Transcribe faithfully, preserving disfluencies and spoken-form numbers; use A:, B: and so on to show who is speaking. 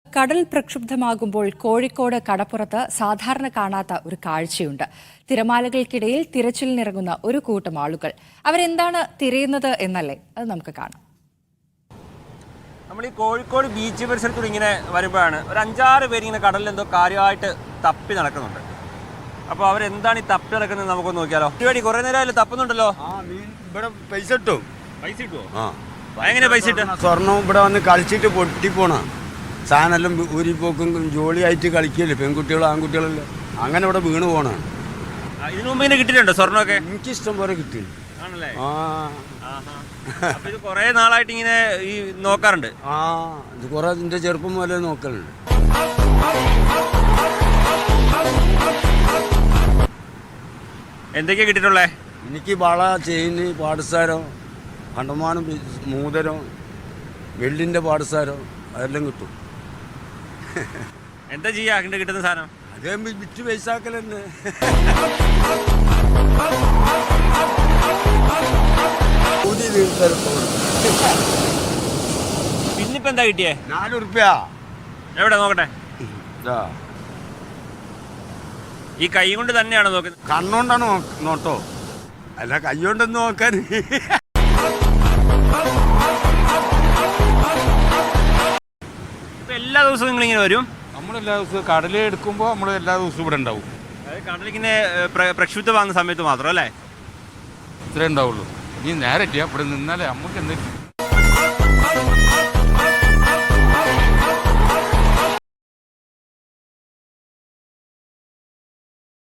A: കടൽ പ്രക്ഷുബ്ധമാകുമ്പോൾ കോഴിക്കോട് കടപ്പുറത്ത് സാധാരണ കാണാത്ത ഒരു കാഴ്ചയുണ്ട്. തിരമാലകൾക്കിടയിൽ തിരച്ചിലിനിറങ്ങുന്ന ഒരു കൂട്ടം ആളുകൾ. അവരെന്താണ് തിരയുന്നത് എന്നല്ലേ, അത് നമുക്ക് കാണാം.
B: നമ്മൾ ഈ കോഴിക്കോട് ബീച്ച് പരിസരത്തൂടെ ഇങ്ങനെ വരുമ്പോഴാണ് ഒരു അഞ്ചാറ് പേര് ഇങ്ങനെ കടലിൽ എന്തോ കാര്യമായിട്ട് തപ്പി നടക്കുന്നുണ്ട്. അപ്പോൾ അവരെന്താണ് ഈ തപ്പി നടക്കുന്നത് നമുക്കൊന്ന് നോക്കിയാലോ. പരിപാടി കുറേ നേരം തപ്പുന്നുണ്ടല്ലോ.
C: ഇവിടെ പൈസ കിട്ടും.
B: പൈസ കിട്ടുമോ? ആ, എങ്ങനെ പൈസ കിട്ടും?
C: സ്വർണം ഇവിടെ വന്ന് കളിച്ചിട്ട് പൊട്ടിപ്പോണ സാധനം ഊരിപ്പോക്കും ജോളിയായിട്ട് കളിക്കല്ലേ പെൺകുട്ടികളും ആൺകുട്ടികളല്ലേ, അങ്ങനെ ഇവിടെ വീണ് പോണ.
B: ഇതിനു മുമ്പ് ഇങ്ങനെ കിട്ടിയിട്ടുണ്ടോ സ്വർണ്ണമൊക്കെ?
C: എനിക്ക് ഇഷ്ടം പോലെ കിട്ടി.
B: ആണല്ലേ?
C: ആ
B: ഇത് കുറേ നാളായിട്ട് ഇങ്ങനെ ഈ നോക്കാറുണ്ട്.
C: ആ ഇത് കുറെ എന്റെ ചെറുപ്പം പോലെ നോക്കലുണ്ട്.
B: എന്തൊക്കെയാ കിട്ടിയിട്ടുള്ളേ?
C: എനിക്ക് വള, ചെയിന്, പാടസാരം, കണ്ടമാനം മൂതരം, വെള്ളിന്റെ പാടസാരം അതെല്ലാം കിട്ടും.
B: എന്താ ചെയ്യാ അങ്ങനെ കിട്ടുന്ന സാധനം?
C: അതേ വിറ്റ് പൈസാക്കലെന്നെ.
B: പിന്നിപ്പോ എന്താ കിട്ടിയേ?
C: നാല് ഉറുപ്പ്യ.
B: എവിടെ നോക്കട്ടെ. ഈ കൈ കൊണ്ട് തന്നെയാണോ നോക്കുന്നത്?
C: കണ്ണോണ്ടാണ് നോട്ടോ, അല്ല കൈ കൊണ്ടൊന്ന് നോക്കാൻ.
B: എല്ലാ ദിവസവും നിങ്ങൾ ഇങ്ങനെ വരും?
D: നമ്മളെല്ലാ ദിവസവും കടൽ എടുക്കുമ്പോൾ നമ്മൾ എല്ലാ ദിവസവും ഇവിടെ ഉണ്ടാവും.
B: അതായത് കടലിങ്ങനെ പ്രക്ഷുബ്ധമാകുന്ന സമയത്ത് മാത്രം അല്ലേ
D: ഇത്രേ ഉണ്ടാവുള്ളൂ. ഇനി നേരെ ഇവിടെ നിന്നാലേ നമുക്ക് എന്തെങ്കിലും